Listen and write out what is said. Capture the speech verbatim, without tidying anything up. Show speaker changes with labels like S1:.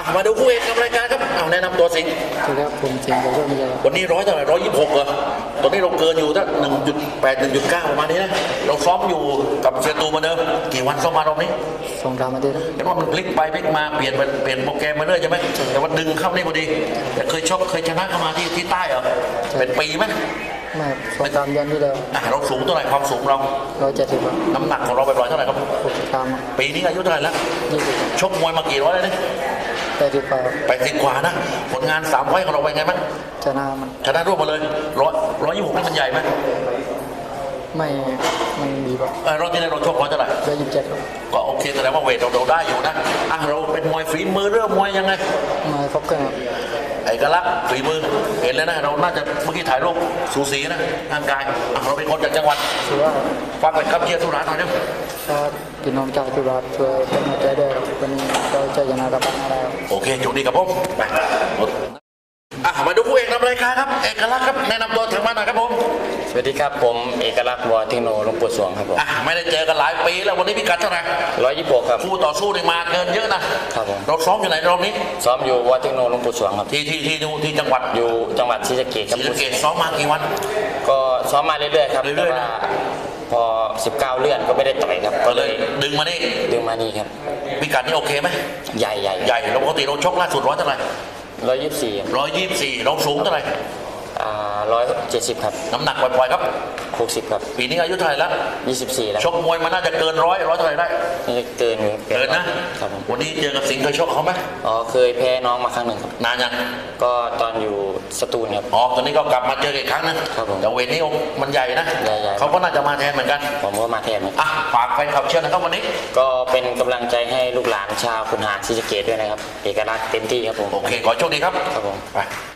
S1: มาดูคู่เอกกับรายการครับเอาแนะนำตัวสิงห์
S2: สวัสดีครับผมเชียงโกโก้มีอะไร
S1: วันนี้ร้อยเท่าไหร่ร้อยยี่สิบหกเหรอตอนนี้เราเกินอยู่ตั้งหนึ่งจุดแปดหนึ่งจุดเก้าประมาณนี้นะเราซ้อมอยู่กับเชียร์ตูมาเดิมกี่วันซ้อมมารอบนี้
S2: สงครามมาด้วยนะ
S1: เห็นว่ามันพลิกไปพลิกมาเปลี่ยนไปเปลี่ยนโปรแกรมมาเรื่อยใช่ไหมแต่ว่าดึงเข้านี่พอดีแต่เคยชกเคยชนะเข้ามาที่ที่ใต้เหรอเป็นปีไหม
S2: ไม่สงครามเดือนที่แล้ว
S1: อ่ะเราสูงเท่าไหร่ความสูงเรา
S2: ร้อยเจ็ดสิบ
S1: น้ำหนักของเราไปปล่อยเท่าไหร่ครับ
S2: หกสิบกรัม
S1: ปีนี้อายุเท่าไหร่แล้ว
S2: ยี่สิบ
S1: ชกมวยมากี่ร้อยแล้วเนี่ย
S2: แปดสิบกว่า
S1: แปดสิบกว่านะผลงานสามไฟต์ของเราเป็นไงบ้าง
S2: ชนะมัน
S1: ชนะรวบมาเลยร้อยร้อยยี่สิบหกนี่มันใหญ่ไหม
S2: ไม่ไม่ดีกว่า
S1: เออรอบที่แล้วเราชกร้อยเท่าไหร่
S2: ร้อยยี่สิบเจ็ด
S1: ก็โอเคแสดงว่าเวทเราเราได้อยู่นะอ่ะเราเป็นมวยฝีมือเรื่องมวยยังไง
S2: มาครบกันครับ
S1: เอกลักษณ์ฝีมือเห็นแล้วนะเราน่าจะเมื่อกี้ถ่ายรูปสูสีนะร่างกายอ่ะเราเป็นคนจากจังหวัด
S2: ถือว่า
S1: ฟังเป็นคำเชียร์สุราษฎร์หน่อยเดียว
S2: ถ้าพี่น้องชาวจุฬาช่วยเป็นกำลังใจด้วยวันนี้เราจะชนะกับบ้านอะไรครับ
S1: โอเคจุดดีกับผมไปหมดอ่ะมาดูคู่เอกนำรายการครับเอกลักษณ์ครับแนะนำตัวทางบ้านหน่อยครับผม
S3: สวัสดีครับผมเอกลักษณ์วอเทคโนหลวงปู่สวงครับผม
S1: อ่ะไม่ได้เจอกันหลายปีแล้ววันนี้พิกัดเท่าไหร่
S3: ร้อยยี่สิบหกครับ
S1: คู่ต่อสู้นี่มาเกินเยอะนะครับ
S3: ผม
S1: เราซ้อมอยู่ไหนรอบนี้
S3: ซ้อมอยู่วอเทคโนหลวงปู่สวงครับ
S1: ที่ที่ที่ที่จังหวัด
S3: อยู่จังหวัดศรีสะเกษ
S1: ศ
S3: ครับ
S1: รีสะเกษซ้อมมากี่วัน
S3: ก็ซ้อมมาเรื่อยๆครับ
S1: เรื่อยๆ
S3: แต่
S1: นะ
S3: ว่าพอสิบเก้าเลื่อนก็ไม่ได้ต่อยครับ
S1: ก็เลยดึงมานี่
S3: ดึงมานี่ครับ
S1: พิกัดนี่โอเคไหม
S3: ใหญ่ใหญ่
S1: ใหญ่เราปกติเราชกล่าสุดร้อยเท่าไหร่
S3: ร้อยยี่สิบสี่
S1: ร้อยยี่สิบสี่เราสูงเท่าไหร่
S3: อ่าร้อยเจ็ดสิบครับ
S1: น้ำหนักปล่อยๆครับ
S3: หกสิบครับ
S1: ปีนี้อายุเท่าไหร่แล้ว
S3: ยี่สิบสี่แล้ว
S1: ชกมวยมันน่าจะเกินร้อยร้อยเท่าไหร่ได้
S3: นี่เกินอยู่
S1: เกินนะครับ
S3: ผม
S1: วันนี้เจอกับสิงห์เคยชกเขาไหม
S3: อ๋อเคยแพ้น้องมาครั้งหนึ่งครับ
S1: นานยัง
S3: ก็ตอนอยู่สตูลครับ
S1: อ๋อตอนนี้ก็กลับมาเจอกันอีกครั้งนะครับ
S3: ผม
S1: แต่เวทนี้มันใหญ่นะ
S3: ใหญ่ๆ
S1: เขาก็น่าจะมาแทนเหมือนกัน
S3: ผมก็มาแทนครับ
S1: อ่ะฝากแฟนคลับเชียร์นะครับวันนี้
S3: ก็เป็นกำลังใจให้ลูกหลานชาวขุนหารศรีสะเกษด้วยนะครับ เอกลักษณ์เต็มที่ครับผม
S1: โอเคขอโชคดีครับ
S3: ครับผม
S1: ไป